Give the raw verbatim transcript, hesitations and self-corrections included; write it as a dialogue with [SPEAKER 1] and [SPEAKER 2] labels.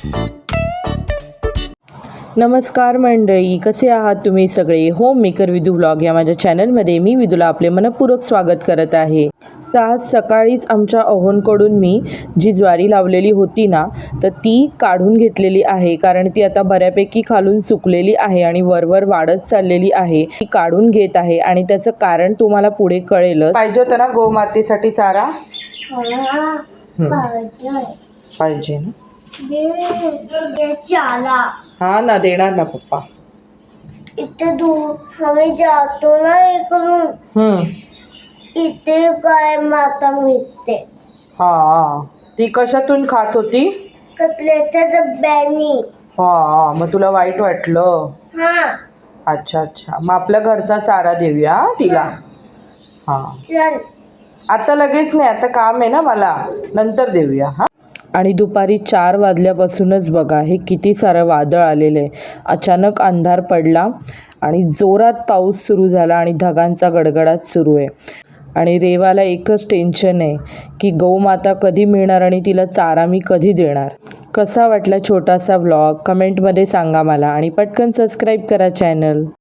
[SPEAKER 1] नमस्कार मंडळी, कसे आहात तुम्ही सगळे? होम मेकर विदू व्लॉग या माझ्या चॅनलमध्ये मी विदूला आपले मनपूर्वक स्वागत करत आहे. तर आज सकाळीच आमच्या अहोंकडून मी जी ज्वारी लावलेली होती ना, तर ती काढून घेतलेली आहे. कारण ती आता बऱ्यापैकी खालून सुकलेली आहे आणि वरवर वाढत चाललेली आहे. ती काढून घेत आहे आणि त्याचं कारण तुम्हाला पुढे कळेलच. पाहिजे होतं ना गोमातेसाठी चारा? पाहिजे ना? हा ना, देणार ना पप्पा.
[SPEAKER 2] इथे दूर आम्ही जातो ना इकडून,
[SPEAKER 1] हम्म
[SPEAKER 2] इथे गाय माता मिळते.
[SPEAKER 1] हा, ती कशातून खात होती?
[SPEAKER 2] कटल्याच्या डब्यानी.
[SPEAKER 1] हा, मग तुला वाईट वाटलं?
[SPEAKER 2] हा
[SPEAKER 1] अच्छा अच्छा, मग आपल्या घरचा चारा देऊया हा तिला. हा,
[SPEAKER 2] चल.
[SPEAKER 1] आता लगेच नाही, आता काम आहे ना मला, नंतर देऊया. हा. आणि दुपारी चार वाजल्यापासूनच बघा हे किती सारं वादळ आलेलं आहे. अचानक अंधार पडला आणि जोरात पाऊस सुरू झाला आणि ढगांचा गडगडाट सुरू आहे. आणि रेवाला एकच टेन्शन आहे की गौमाता कधी मिळणार आणि तिला चारा मी कधी देणार. कसा वाटला छोटासा व्लॉग कमेंटमध्ये सांगा मला आणि पटकन सबस्क्राईब करा चॅनल.